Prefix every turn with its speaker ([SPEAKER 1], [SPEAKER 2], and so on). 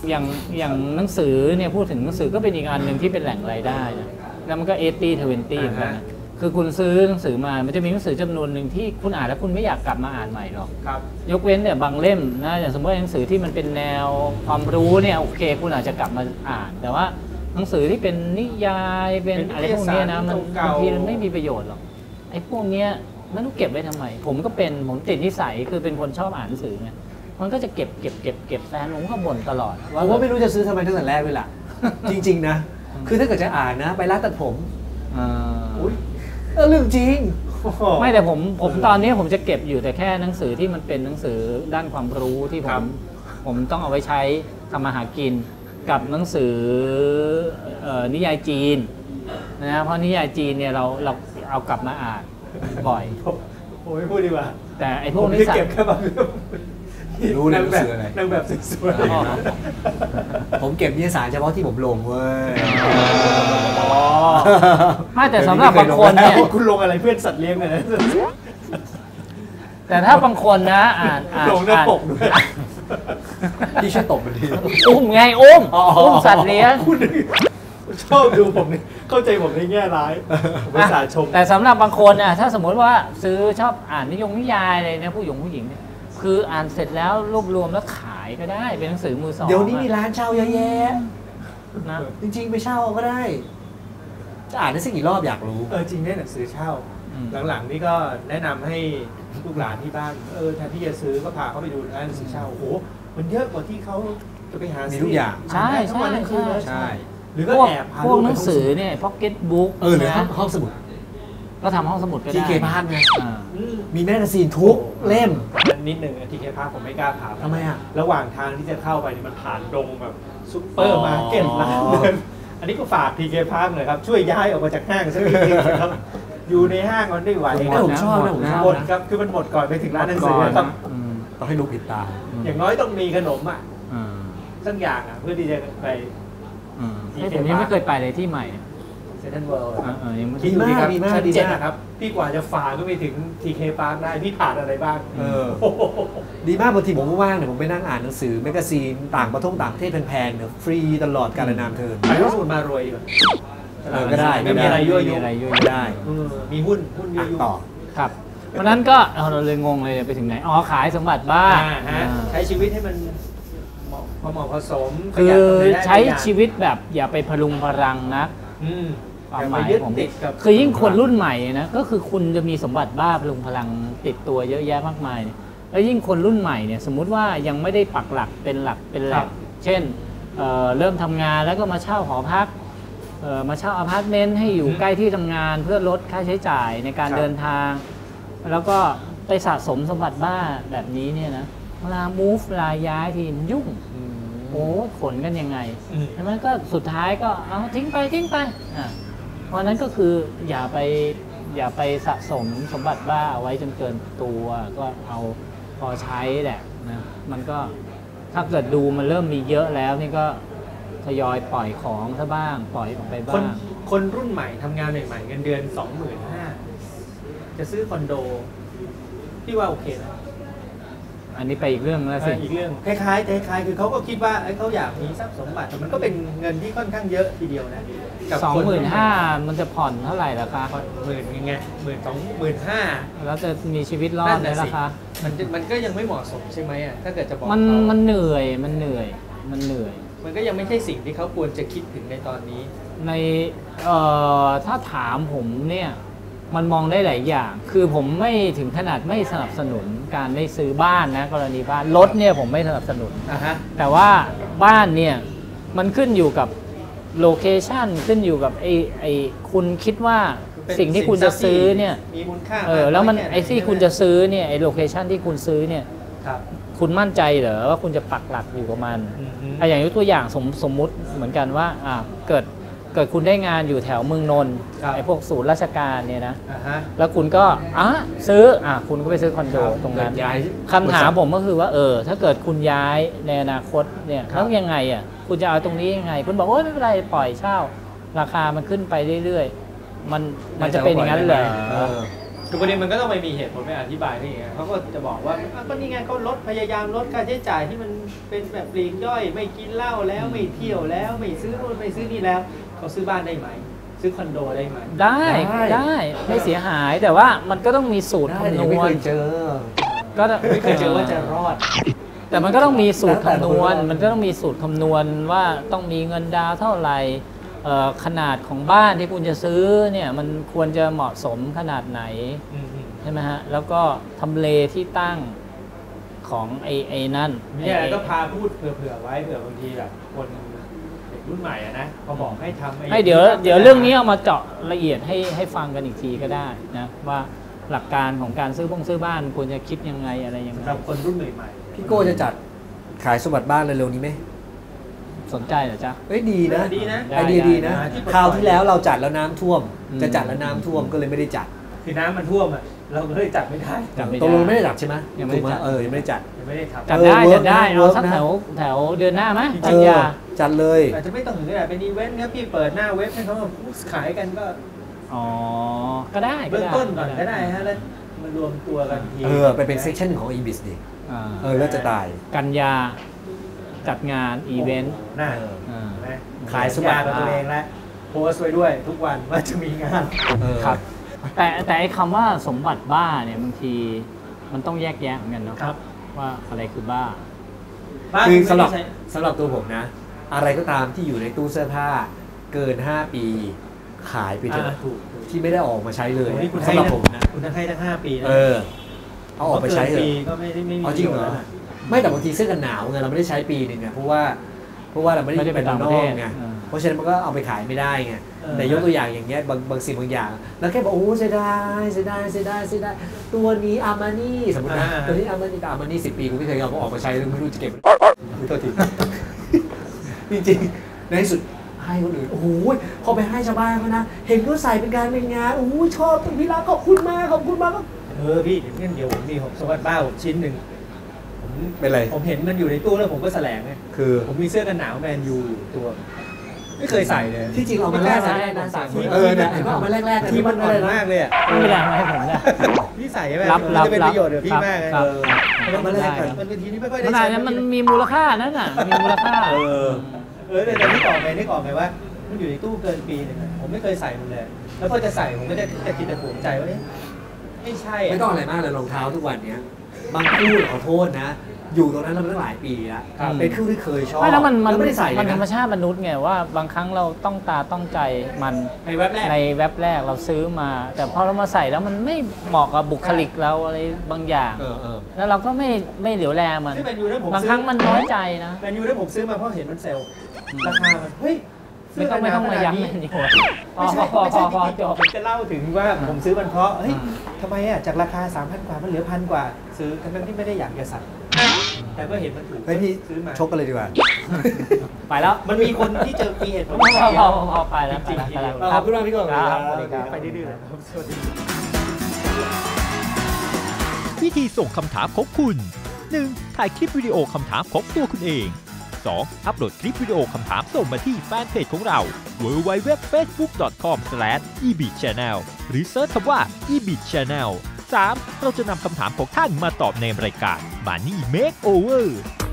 [SPEAKER 1] อย่างอย่างหนังสือเนี่ยพูดถึงหนังสือก็เป็นอีกอันหนึ่งที่เป็นแหล่งรายได้นะแล้วมันก็80-20เหมือนกันนะคือคุณซื้อหนังสือมามันจะมีหนังสือจำนวนหนึ่งที่คุณอ่านแล้วคุณไม่อยากกลับมาอ่านใหม่หรอกยกเว้นเนี่ยบางเล่มนะอย่างสมมติหนังสือที่มันเป็นแนวความรู้เนี่ยโอเคคุณอาจจะกลับมาอ่านแต่ว่าหนังสือที่เป็นนิยายเป็นอะไรพวกนี้นะมันบางทีมันไม่มีประโยชน์หรอกไอ้พวกเนี้ยไม่รู้เก็บไว้ทำไมผมติดนิสัยคือเป็นคนชอบอ่านหนังสือไงมันก็จะเก็บแฟนผมก็บ่นตลอด
[SPEAKER 2] ผมว่าไม่รู้จะซื้อทำไมตั้งแต่แรกเลยล่ะ จริงๆนะคือถ้าเกิดจะอ่านนะไปร้านตัดผมเรื่องจริง
[SPEAKER 1] ไม่แต่ผมตอนนี้ผมจะเก็บอยู่แต่แค่หนังสือที่มันเป็นหนังสือด้านความรู้ที่ผมต้องเอาไว้ใช้ทำมาหากินกับหนังสือนิยายจีนนะเพราะนิยายจีนเนี่ยเราเอากลับมาอ่านบ่อย
[SPEAKER 3] ผมไม่พูดดีกว่า
[SPEAKER 1] แต่ไอ้พวกนี้
[SPEAKER 3] เก็บแค่บางเรื่อง
[SPEAKER 2] รู้นางแบบ
[SPEAKER 3] นางแบบสวย
[SPEAKER 2] ๆผมเก็บนิยสารเฉพาะที่ผมลงเว้ย
[SPEAKER 1] ไม่แต่สำหรับบางคนเนี่ย
[SPEAKER 3] คุณลงอะไรเพื่อนสัตว์เลี้ยงเนี่ยนะ
[SPEAKER 1] แต่ถ้าบางคนนะอ่าน
[SPEAKER 3] ลงหน้าปกด้วย
[SPEAKER 2] ที่ช่วยตบมันที
[SPEAKER 1] อุ้มสัตว์เลี้ยง
[SPEAKER 3] ชอบดูผมนี่เข้าใจผมในแง่ร้ายผมภาษาชม
[SPEAKER 1] แต่สำหรับบางคนน่ะถ้าสมมติว่าซื้อชอบอ่านนิยายอะไรเนี่ยผู้หญิงเนี่ยคืออ่านเสร็จแล้วรวบรวมแล้วขายก็ได้เป็นหนังสือมือสอง
[SPEAKER 2] เดี๋ยวนี้มีร้านเช่าเยอะแยะ
[SPEAKER 1] นะ
[SPEAKER 2] จริงๆไปเช่าก็ได้จะอ่านได้สักกี่รอบอยากรู้
[SPEAKER 3] จริงได้หนังสือเช่าหลังๆนี่ก็แนะนำให้ลูกหลานที่บ้านแทนที่จะซื้อก็พาเขาไปดูร้านหนังสือเช่าโอ้โหมันเยอะกว่าที่เขาจะไปหา
[SPEAKER 2] มีทุกอย่าง
[SPEAKER 1] ใช่
[SPEAKER 3] หรือก็แอบ
[SPEAKER 1] พวกหนังสือเนี่ยพ็อกเก็ตบุ๊ก
[SPEAKER 2] หรือห้องสมุด
[SPEAKER 1] ก็ทำห้องสมุดก็ได้
[SPEAKER 2] ทีเคพาร์ทไงมีแมกกาซีนทุกเล่ม
[SPEAKER 3] นิดหนึ่งทีเคพาร์ทผมไม่กล้าผ่าน
[SPEAKER 2] ทำไมอ่ะ
[SPEAKER 3] ระหว่างทางที่จะเข้าไปมันผ่านดงแบบซุปเปอร์มาร์เก็ตร้านเดินอันนี้ก็ฝากทีเคพาร์ทหน่อยครับช่วยย้ายออกมาจากห้างสักนิดนึงครับอยู่ในห้างมันได้ไหว
[SPEAKER 2] ผมชอบ
[SPEAKER 3] หมดครับคือมันหมดก่อนไปถึงร้านหนังสือครับ
[SPEAKER 2] ต้องให้รู้ผิดตา
[SPEAKER 3] อย่างน้อยต้องมีขนมสักอย่างเพื่อที่จะไป
[SPEAKER 1] ผมยังไม่เคยไปเลยที่ใหม่
[SPEAKER 3] เซ็นทรัลเวิลด์
[SPEAKER 2] ดีมาก
[SPEAKER 3] ชั้น 7นะครับพี่กว่าจะฝ่าก็ไปถึงทีเคพาร์คได้พี่ผ่านอะไรบ้าง
[SPEAKER 2] ดีมากบางทีผมว่างเนี่ยผมไปนั่งอ่านหนังสือแมกกาซีนต่างประเทศแพงๆเนี่ยฟรีตลอดกาลนามเทิน
[SPEAKER 3] ไปรู้สูตรมารวย
[SPEAKER 2] ก็ได้
[SPEAKER 3] ไม่มีอะไรยั่วยุ
[SPEAKER 2] ได้
[SPEAKER 3] มีหุ้นยั่วยุ
[SPEAKER 2] ต่อ
[SPEAKER 1] ครับเพราะนั้นก็เราเลยงงเลยไปถึงไหนขายสมบัติบ้าน
[SPEAKER 3] ใช้ชีวิตให้มันพอเหมาะผสม
[SPEAKER 1] คือใช้ชีวิตแบบอย่าไปพลุงพลังนะความหมายผมคือยิ่งคนรุ่นใหม่นะก็คือคุณจะมีสมบัติบ้าพลุงพลังติดตัวเยอะแยะมากมายแล้วยิ่งคนรุ่นใหม่เนี่ยสมมุติว่ายังไม่ได้ปักหลักเป็นแหล่งเช่นเริ่มทำงานแล้วก็มาเช่าหอพักมาเช่าอพาร์ตเมนต์ให้อยู่ใกล้ที่ทำงานเพื่อลดค่าใช้จ่ายในการเดินทางแล้วก็ไปสะสมสมบัติบ้าแบบนี้เนี่ยนะเวลา move เวลาย้ายทีมันยุ่งโอ้ขนกันยังไงแล้วมันก็สุดท้ายก็เอาทิ้งไปเพราะนั้นก็คืออย่าไปสะสมสมบัติบ้าเอาไว้จนเกินตัวก็เอาพอใช้แหละนะมันก็ถ้าเกิดดูมันเริ่มมีเยอะแล้วนี่ก็ทยอยปล่อยของซะบ้างปล่อยออกไปบ้าง
[SPEAKER 3] คนรุ่นใหม่ทำงานใหม่ๆเงินเดือน 25,000 จะซื้อคอนโดพี่ว่าโอเคนะ
[SPEAKER 1] อันนี้ไปอีกเรื่องแล้วสิ
[SPEAKER 3] อีกเรื่องคล้ายๆคือเขาก็คิดว่าเขาอยากมีทรัพย์สมบัติแต่มันก็เป็นเงินที่ค่อนข้างเยอะทีเดียวนะ
[SPEAKER 1] 25,000มันจะผ่อนเท่าไหร่ล่ะคะ
[SPEAKER 3] 10,000ไง15,000
[SPEAKER 1] แล้วจะมีชีวิตรอดไหมล่ะคะ
[SPEAKER 3] มันก็ยังไม่เหมาะสมใช่ไหมถ้าเกิดจะบอก
[SPEAKER 1] มันเหนื่อย
[SPEAKER 3] มันก็ยังไม่ใช่สิ่งที่เขาควรจะคิดถึงในตอนนี้
[SPEAKER 1] ในถ้าถามผมเนี่ยมันมองได้หลายอย่างคือผมไม่ถึงขนาดไม่สนับสนุนการได้ซื้อบ้านนะกรณีบ้านรถเนี่ยผมไม่สนับสนุนแต่ว่าบ้านเนี่ยมันขึ้นอยู่กับโลเคชันขึ้นอยู่กับไอ้คุณคิดว่าสิ่งที่คุณจะซื้อเนี่ย
[SPEAKER 3] มีมูลค่า
[SPEAKER 1] แล้วมันไอ้ที่คุณจะซื้อเนี่ยไอ้โลเคชันที่คุณซื้อเนี่ยคุณมั่นใจเหรอว่าคุณจะปักหลักอยู่กับมันอย่างยกตัวอย่างสมมุติเหมือนกันว่าเกิดคุณได้งานอยู่แถวเมืองนนท์ไอ้พวกศูนย์ราชการเนี่ยนะแล้วคุณก็ซื้อคุณก็ไปซื้อคอนโดตรงนั้นคำถามผมก็คือว่าถ้าเกิดคุณย้ายในอนาคตเนี่ยแล้วยังไงคุณจะเอาตรงนี้ยังไงคุณบอกไม่เป็นไรปล่อยเช่าราคามันขึ้นไปเรื่อยๆมันจะเป็นอย่างนั้นเลย
[SPEAKER 3] คือประเด็นมันก็ต้องไปมีเหตุผลไปอธิบายนี่ไงเขาก็จะบอกว่าก็นี่ไงเขาพยายามลดค่าใช้จ่ายที่มันเป็นแบบปลีกย่อยไม่กินเหล้าแล้วไม่เที่ยวแล้วไม่ซื้อนู่นไม่ซื้อนี่แล้วเขาซื้อบ้านได้ไหมซื้อคอนโดได้ไหม
[SPEAKER 1] ได้ไม่เสียหายแต่ว่ามันก็ต้องมีสูตร
[SPEAKER 2] ได้
[SPEAKER 1] คำน
[SPEAKER 2] ไม่
[SPEAKER 1] ว
[SPEAKER 2] เค
[SPEAKER 1] ณ
[SPEAKER 2] ยเจอ
[SPEAKER 1] ก็
[SPEAKER 3] ไม่เคยเจอว่าจะรอด
[SPEAKER 1] แต่มันก็ต้องมีสูตรคำนวณ
[SPEAKER 2] แล้วแต่คน
[SPEAKER 1] มันก็ต้องมีสูตรคำนวณว่าต้องมีเงินดาวน์เท่าไหร่ขนาดของบ้านที่คุณจะซื้อเนี่ยมันควรจะเหมาะสมขนาดไหนใช่ไหมฮะแล้วก็ทำเลที่ตั้งของไอ้นั่น
[SPEAKER 3] เนี่ยก็พาพูดเผื่อไว้เผื่อบางทีแบบคนเด็กรุ่นใหม่อะนะพอบอกให้ทำ
[SPEAKER 1] ให้เดี๋ยวเรื่องนี้เอามาเจาะละเอียดให้ฟังกันอีกทีก็ได้นะว่าหลักการของการซื้อบ้านควรจะคิดยังไงอะไรยังไง
[SPEAKER 3] สำหรับคนรุ่นใหม่ๆ
[SPEAKER 2] พี่โก้จะจัดขายสมบัติบ้านเร็วๆนี้ไหม
[SPEAKER 1] สนใจเหรอจ๊ะ
[SPEAKER 2] เอ้ยดีนะ
[SPEAKER 3] ดีนะ
[SPEAKER 2] ไอเดียดีนะ
[SPEAKER 3] ได้
[SPEAKER 2] คราวที่แล้วเราจัดแล้วน้ำท่วม
[SPEAKER 1] อืม
[SPEAKER 2] จะจัดแล้วน้ำท่วมก็เลยไม่ได้จัด
[SPEAKER 3] คือน้ำมันท่วมอ่ะเราก็เลยจัดไม่ได้
[SPEAKER 1] จัดไม่
[SPEAKER 2] ตกลงไม่ได้จัดใช่ไหม
[SPEAKER 1] ยังไม่ได้
[SPEAKER 2] ถูกห
[SPEAKER 1] จัด
[SPEAKER 2] ยังไม่ได้จัด
[SPEAKER 3] ยังไม่ได้ทำ
[SPEAKER 1] จัดได้
[SPEAKER 2] เวิร์
[SPEAKER 1] จั
[SPEAKER 2] ก
[SPEAKER 1] ดได้
[SPEAKER 2] นะ
[SPEAKER 1] เอาสัก
[SPEAKER 2] เวิร์กนะ
[SPEAKER 1] แถวเดือนหน้าไหม
[SPEAKER 3] จริงๆ
[SPEAKER 1] กันยา
[SPEAKER 2] จัดเลย
[SPEAKER 3] อาจจะไม่ต้องถึงขนาดเป็นอีเวนต์ครับพี่เปิดหน้าเว็บให้เขาขายกันก็
[SPEAKER 1] อ๋อก็ได้
[SPEAKER 3] เบื้องต้นก่อนก็ได้ฮะแล้วมารวมตัวกันที
[SPEAKER 2] ไปเป็นเซสชั่นของ e-biz ดิ
[SPEAKER 1] อ่า
[SPEAKER 2] แล้วจะตาย
[SPEAKER 1] กันยาจัดงานอีเวนต์
[SPEAKER 3] น่า
[SPEAKER 1] อ่า
[SPEAKER 3] นะ
[SPEAKER 2] ขายสมบัติ
[SPEAKER 3] กับตัวเองแล้วโพสต์ไว้ด้วยทุกวันว่าจะมีงาน
[SPEAKER 1] ครับ แต่ไอ้คำว่าสมบัติบ้าเนี่ยบางทีมันต้องแยกแยะเหมือนกันเนาะ
[SPEAKER 3] ครับ
[SPEAKER 1] ว่าอะไรคือบ้า
[SPEAKER 2] คือสำหรับ
[SPEAKER 3] ไม่ได้ใช้
[SPEAKER 2] สำหรับตัวผมนะ อะไรก็ตามที่อยู่ในตู้เสื้อผ้าเกิน 5 ปีขายไปเถอะ
[SPEAKER 3] ถูก
[SPEAKER 2] ที่ไม่ได้ออกมาใช้เลย
[SPEAKER 3] โอ้นี่คุณ
[SPEAKER 2] สำหรับผมนะ
[SPEAKER 3] คุณให้ทั้ง5 ปีนะ
[SPEAKER 2] เอาออกไปใช้เถ
[SPEAKER 3] พราะกินปี
[SPEAKER 2] อะ
[SPEAKER 3] ก็ไม่มี
[SPEAKER 2] เอาจริงเหรอ ไม่แต่บางทีเสื้อกันหนาวไงเราไม่ได้ใช้ปีหนึ่งไงเพราะว่าเราไม่
[SPEAKER 1] ไม่ได้
[SPEAKER 2] ได้
[SPEAKER 1] ไป
[SPEAKER 2] เป็น
[SPEAKER 1] ต่าง
[SPEAKER 2] น
[SPEAKER 1] ประ
[SPEAKER 2] อ
[SPEAKER 1] เท
[SPEAKER 2] ก
[SPEAKER 1] ศ
[SPEAKER 2] ไง
[SPEAKER 1] อ่า
[SPEAKER 2] เพราะฉะนั้นมันก็เอาไปขายไม่ได้ไงแต่ยกตัวอย่างอย่างเงี้ยบางสิ่งบางอย่าง แล้วแค่บอกโอ้เสียดายตัวนี้อามานี่สมมตินะตัวนี้อามานี่กับอามานี่10 ปีกูไม่เคยเอาออกมาใช้เลยไม่รู้จะเก็บไม่โทษทีจริงๆในที่สุดให้คนอื่นโอ้โหพอไปให้ชาวบ้านเขานะเห็นก็ใส่เป็นการเป็นงานโอ้โหชอบพี่รักขอบคุณมาก
[SPEAKER 3] พี่เดี๋ยวผมมีสมบัติบ้าผมชิ้นหนึ่งผม
[SPEAKER 2] เป็นไร
[SPEAKER 3] ผมเห็นมันอยู่ในตู้แล้วผมก็แสลงไง
[SPEAKER 2] คือ
[SPEAKER 3] ผมมีเสื้อกันหนาวแมนยูอยู่ตัว ไม่เคยใส่เลย
[SPEAKER 2] ที่จริงเอามาแลก
[SPEAKER 1] ไม่
[SPEAKER 2] นะ
[SPEAKER 1] ได้นะ
[SPEAKER 2] เนี่ยเห็นว่าเอามาแลกๆ
[SPEAKER 3] ที่มันอ่อน
[SPEAKER 2] เลยนะ
[SPEAKER 3] มากเลยอ่ะ
[SPEAKER 1] ไม่เป็นไรมาให้ผมนะ
[SPEAKER 3] พี่ใส่ไหม
[SPEAKER 1] รับ
[SPEAKER 3] มันจะเป็นประโยชน์กับพี่มากเลย
[SPEAKER 1] ครับ
[SPEAKER 3] มันเป็นทีนี้ไม่ค่อยได้
[SPEAKER 1] มัน
[SPEAKER 3] ใช้
[SPEAKER 1] อาจจะมันมีมูลค่านั่นน่ะมีมูลค่า
[SPEAKER 3] แต่นึกออกไหมว่ามันอยู่ในตู้เกินปีนึงผมไม่เคยใส่มันเลยแล้วพอจะใส่ผมก็จะคิดแต่ภูมิใจว่าไม่ใช่
[SPEAKER 2] ไม่ต้องอะไรมากเลยรองเท้าทุกวันเนี้ยบางคู่ขอโทษนะ อยู่ตรงนั้นเรามาตั้งหลายปีแล้ว
[SPEAKER 1] ครับ
[SPEAKER 2] เป็นคู่ที่เคยชอบ
[SPEAKER 1] ไม่แล้วมัน
[SPEAKER 2] ไม่ได้ใส่เลย
[SPEAKER 1] ธรรม
[SPEAKER 2] นะ
[SPEAKER 1] ชาติมนุษย์ไงว่าบางครั้งเราต้องตาต้องใจมัน
[SPEAKER 3] ในเว็บแรก
[SPEAKER 1] ในเว็บแรกเราซื้อมา แต่พอเรามาใส่แล้วมันไม่เหมาะกับบุคลิกเราอะไรบางอย่าง แล้วเราก็ไม่เหลียวแลมัน
[SPEAKER 3] ที่แมนยูนั้นผม
[SPEAKER 1] บางครั้งมันน้อยใจนะ
[SPEAKER 3] แมนยูนั้นผมซื้อมาเพราะเห็นมันเซลล์ราคามันเฮ้ย
[SPEAKER 1] ไม่ต้องมาย้ำมันดีกว่าพอ
[SPEAKER 3] ไม่ใช่
[SPEAKER 1] พอจบ
[SPEAKER 3] ผมจะเล่าถึงว่าผมซื้อมันเพราะเฮ้ยทำไมอ่ะจากราคา 3,000 กว่ามันเหลือ1,000 กว่า ซื้อทั้งที่ไม่ได้อยากจะสั่งแต่ก็เห็นมันถูก
[SPEAKER 2] เฮ้ยพี่
[SPEAKER 3] ซื้อมา
[SPEAKER 2] ชกกันเลยดีกว่า
[SPEAKER 1] ไปแล้ว
[SPEAKER 3] มันมีคนที่เจอมีเหตุผล
[SPEAKER 1] พอไปแล้ว
[SPEAKER 3] จริงๆทีเดียว
[SPEAKER 2] ขอบคุณมากพี่ก่อน
[SPEAKER 1] ครับสวัสดีครับ
[SPEAKER 3] ไปดื้อๆนะครับสวัสดี
[SPEAKER 4] วิธีส่งคำถามของคุณ 1. ถ่ายคลิปวิดีโอคำถามของตัวคุณเอง 2. อัปโหลดคลิปวิดีโอคำถามส่งมาที่แฟนเพจของเรา www.facebook.com/ebitchannel หรือเซิร์ชคำว่า ebitchannel 3. เราจะนำคำถามของท่านมาตอบในรายการ Money Makeover